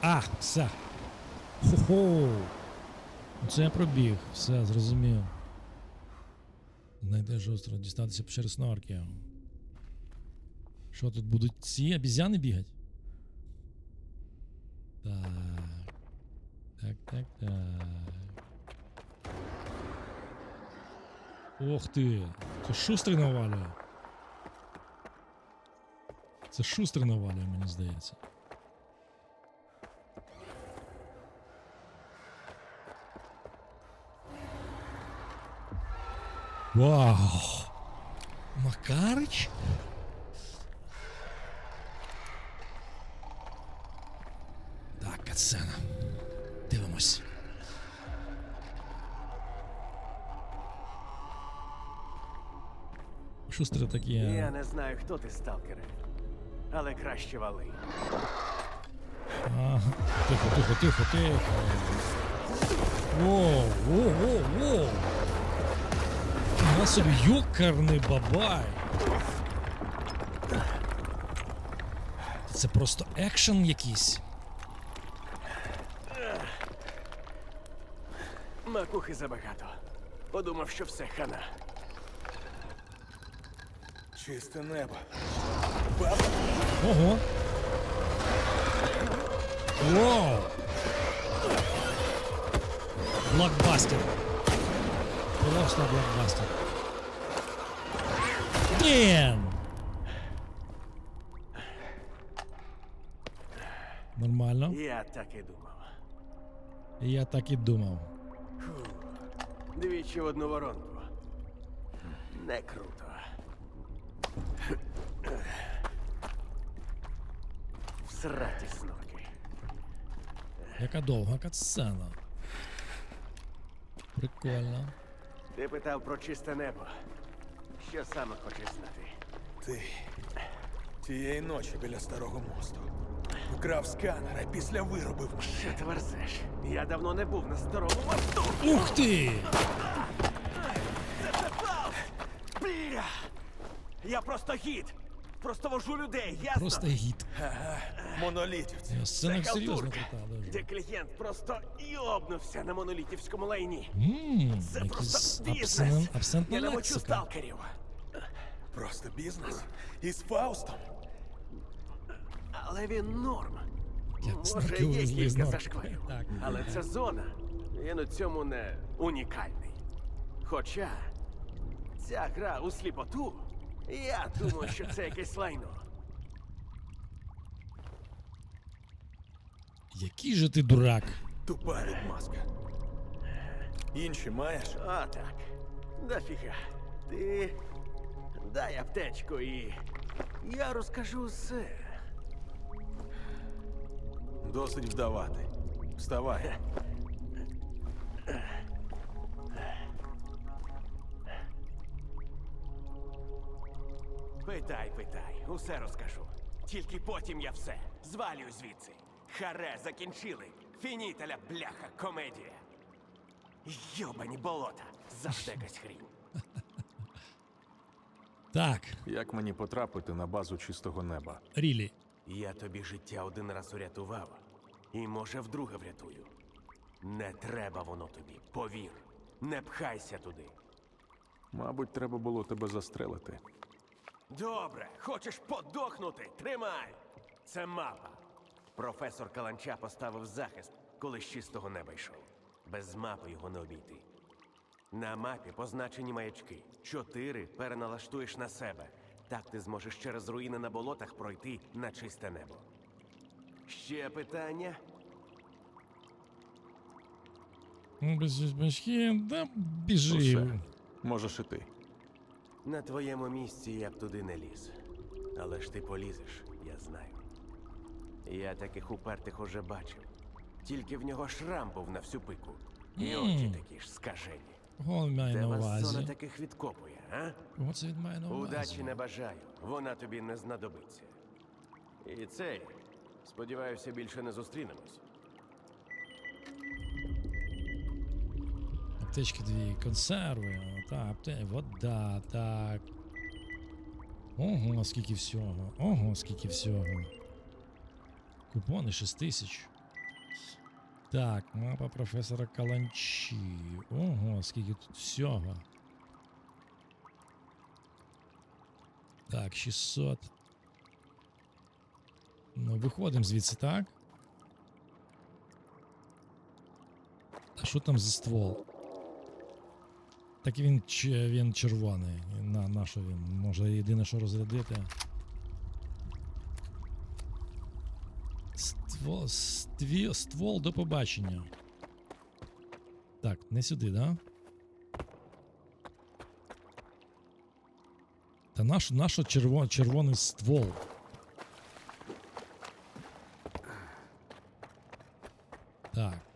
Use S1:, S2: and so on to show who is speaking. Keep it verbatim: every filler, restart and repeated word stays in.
S1: А, все. Хо-хо. Це я пробіг. Все, зрозумів. Знайти жорстко, дістатися печери снорки. Що тут будуть ці обізяни бігати? Так. Так, так, так. Ох ти! Це шустрий навалює. Це шустрий навалює, мені здається. Вау! Макарич? Так, катсцена. Дивимось. Шустро такі.
S2: Я не знаю, хто ти, сталкере, але краще вали.
S1: Ага. Тихо, тихо, тихо, тихо. Воу, воу, воу, воу. На собі юкарний бабай. Це просто екшен якийсь.
S2: Макухи забагато. Подумав, що все хана.
S3: Чисте небо.
S1: Ого. Воу. Блокбастер. Просто блокбастер. Блін. Нормально.
S2: Я так і думав.
S1: Я так і думав.
S2: Двічі в одну воронку. Не круто. Всраті снорки.
S1: Яка довга катсцена. Прикольно.
S2: Ти питав про чисте небо. Що саме хочеш знати?
S3: Ти тієї ночі біля старого мосту вкрав сканер, а після виробив мене.
S2: Що ти верзеш? Я давно не був на старому мосту.
S1: Ух ти!
S2: Бля! Я просто гід. Просто вожу людей, ясно?
S1: Просто гід.
S3: Ага, монолітівці.
S1: Я сцена
S2: Це
S1: серйозно
S2: халтурка,
S1: крута
S2: де
S1: дуже.
S2: клієнт просто йобнувся на монолітівському лайні.
S1: Ммм,
S2: Це
S1: якийсь
S2: просто
S1: абсент,
S2: бізнес.
S1: абсентна
S2: Я не мочу
S1: лексика.
S2: сталкерів.
S3: Просто бізнес. Із Фаустом.
S2: Але він норм.
S1: Як
S2: Може,
S1: снарки
S2: є
S1: увезли з
S2: кілька
S1: норки.
S2: зашкварів.
S1: Так.
S2: Але це зона. Він у цьому не унікальний. Хоча ця гра у сліпоту, я думаю, що це якесь лайно.
S1: Який же ти дурак.
S3: Тупа відмазка. Інші маєш?
S2: А так. Дофіга. Ти дай аптечку і я розкажу все.
S3: Досить вдавати. Вставай.
S2: Питай, питай, усе розкажу. Тільки потім я все. Звалюю звідси. Харе, закінчили. Фінітеля, бляха, комедія. Йобані болота. Завжди якась хрінь.
S1: Так,
S4: Як мені потрапити на базу чистого неба?
S1: Рілі.
S2: Я тобі життя один раз урятував. І, може, вдруге врятую. Не треба воно тобі, повір. Не пхайся туди.
S4: Мабуть, треба було тебе застрелити.
S2: Добре, хочеш подохнути? Тримай! Це мапа. Професор Каланча поставив захист, коли з чистого неба йшов. Без мапи його не обійти. На мапі позначені маячки. Чотири переналаштуєш на себе. Так ти зможеш через руїни на болотах пройти на чисте небо. Ще питання?
S1: Ну, без бачки, да біжи.
S4: Усе. Можеш і ти.
S2: На твоєму місці я б туди не ліз. Але ж ти полізеш, я знаю. Я таких упертих уже бачив. Тільки в нього шрам був на всю пику. І очі такі ж скажені.
S1: Кого він має
S2: Де
S1: на
S2: вас зона
S1: увазі?
S2: таких відкопує, а?
S1: Кого це він має на увазі?
S2: Удачі не бажаю. Вона тобі не знадобиться. І цей, сподіваюся, більше не зустрінемось.
S1: Аптечки дві, консерви, та, апте... вода, так. Ого, скільки всього. Ого, скільки всього. Купони шість тисяч. Так, мапа професора Каланчі. Ого, скільки тут всього. Так, шістсот. Ну, виходимо звідси, так? А що там за ствол? Так він, ч- він червоний. На, на що він? Може єдине, що розрядити. Ствол, стві, ствол до побачення. Так, не сюди, да? Та наш, наш червон, червоний ствол. Так.